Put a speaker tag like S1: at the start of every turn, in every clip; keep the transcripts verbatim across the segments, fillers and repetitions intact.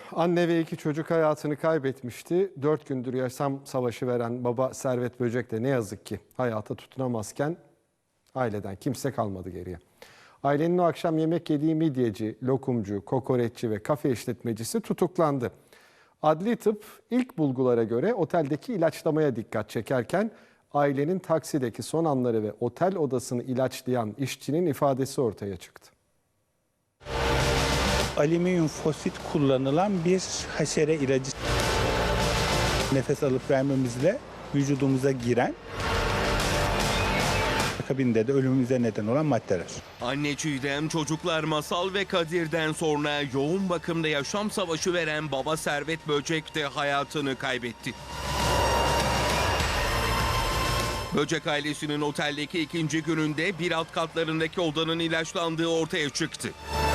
S1: Anne ve iki çocuk hayatını kaybetmişti. Dört gündür yaşam savaşı veren baba Servet Böcek de ne yazık ki hayata tutunamazken aileden kimse kalmadı geriye. Ailenin o akşam yemek yediği midyeci, lokumcu, kokoreççi ve kafe işletmecisi tutuklandı. Adli tıp ilk bulgulara göre oteldeki ilaçlamaya dikkat çekerken ailenin taksideki son anları ve otel odasını ilaçlayan işçinin ifadesi ortaya çıktı.
S2: Alüminyum fosit kullanılan bir haşere ilacı. Nefes alıp vermemizle vücudumuza giren, akabinde de ölümümüze neden olan maddeler.
S3: Anne Çiğdem, çocuklar Masal ve Kadir'den sonra yoğun bakımda yaşam savaşı veren baba Servet Böcek de hayatını kaybetti. Böcek ailesinin oteldeki ikinci gününde bir alt katlarındaki odanın ilaçlandığı ortaya çıktı.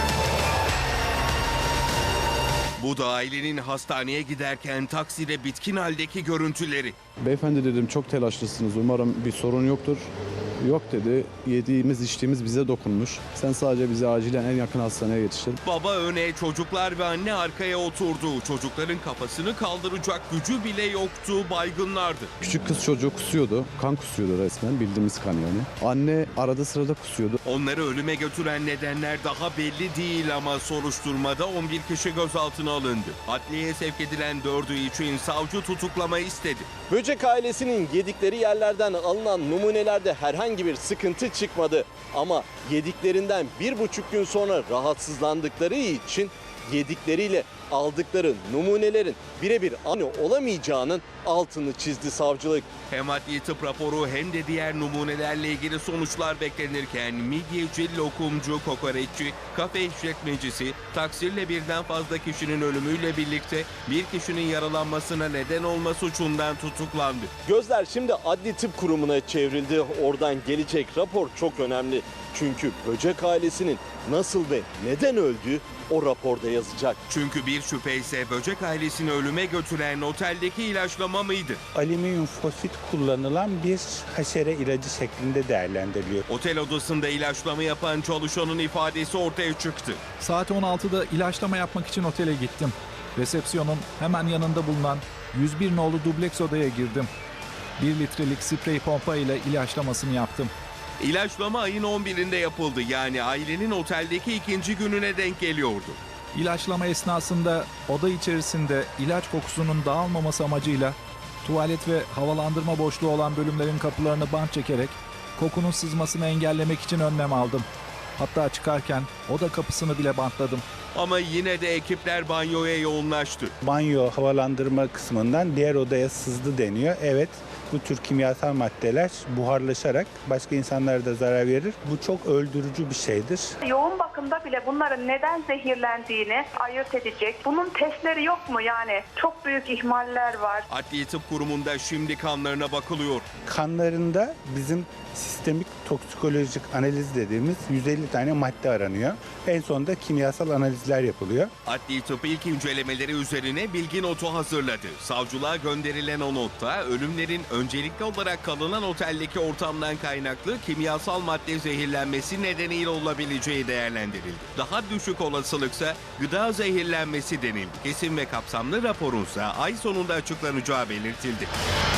S3: Bu da ailenin hastaneye giderken takside bitkin haldeki görüntüleri.
S4: Beyefendi dedim, çok telaşlısınız, umarım bir sorun yoktur. Yok dedi, yediğimiz içtiğimiz bize dokunmuş. Sen sadece bizi acilen en yakın hastaneye yetiştir.
S3: Baba öne, çocuklar ve anne arkaya oturdu. Çocukların kafasını kaldıracak gücü bile yoktu, baygınlardı.
S4: Küçük kız çocuğu kusuyordu, kan kusuyordu resmen, bildiğimiz kan yani. Anne arada sırada kusuyordu.
S3: Onları ölüme götüren nedenler daha belli değil ama soruşturmada on bir kişi gözaltına alındı. Adliyeye sevk edilen dördü için savcı tutuklama istedi.
S5: Böcek ailesinin yedikleri yerlerden alınan numunelerde herhangi bir sıkıntı çıkmadı. Ama yediklerinden bir buçuk gün sonra rahatsızlandıkları için yedikleriyle aldıkları numunelerin birebir aynı olamayacağının altını çizdi savcılık.
S3: Hem adli tıp raporu hem de diğer numunelerle ilgili sonuçlar beklenirken midyeci, lokumcu, kokoreççi, kafe işletmecisi, taksirle birden fazla kişinin ölümüyle birlikte bir kişinin yaralanmasına neden olma suçundan tutuklandı.
S5: Gözler şimdi Adli Tıp Kurumu'na çevrildi. Oradan gelecek rapor çok önemli. Çünkü Böcek ailesinin nasıl ve neden öldüğü o raporda yazacak.
S3: Çünkü bir şüphe ise Böcek ailesini ölüme götüren oteldeki ilaçlama mıydı?
S2: Alüminyum fosit kullanılan bir haşere ilacı şeklinde değerlendiriliyor.
S3: Otel odasında ilaçlama yapan çalışanın ifadesi ortaya çıktı.
S6: Saat on altıda ilaçlama yapmak için otele gittim. Resepsiyonun hemen yanında bulunan yüz bir nolu dubleks odaya girdim. bir litrelik sprey pompa ile ilaçlamasını yaptım.
S3: İlaçlama ayın on birinde yapıldı, yani ailenin oteldeki ikinci gününe denk geliyordu.
S6: İlaçlama esnasında oda içerisinde ilaç kokusunun dağılmaması amacıyla tuvalet ve havalandırma boşluğu olan bölümlerin kapılarını bant çekerek kokunun sızmasını engellemek için önlem aldım. Hatta çıkarken oda kapısını bile bantladım.
S3: Ama yine de ekipler banyoya yoğunlaştı.
S2: Banyo havalandırma kısmından diğer odaya sızdı deniyor. Evet, bu tür kimyasal maddeler buharlaşarak başka insanlara da zarar verir. Bu çok öldürücü bir şeydir.
S7: Yoğun bakımda bile bunların neden zehirlendiğini ayırt edecek. Bunun testleri yok mu yani? Çok büyük ihmaller var.
S3: Adli Tıp Kurumu'nda şimdi kanlarına bakılıyor.
S2: Kanlarında bizim sistemik toksikolojik analiz dediğimiz yüz elli tane madde aranıyor. En sonunda kimyasal analizler yapılıyor.
S3: Adli Tıp ilk incelemeleri üzerine bilgi notu hazırladı. Savcılığa gönderilen o notta ölümlerin öncelikli olarak kalınan oteldeki ortamdan kaynaklı kimyasal madde zehirlenmesi nedeniyle olabileceği değerlendirildi. Daha düşük olasılıksa gıda zehirlenmesi denildi. Kesin ve kapsamlı raporunsa ay sonunda açıklanacağı belirtildi.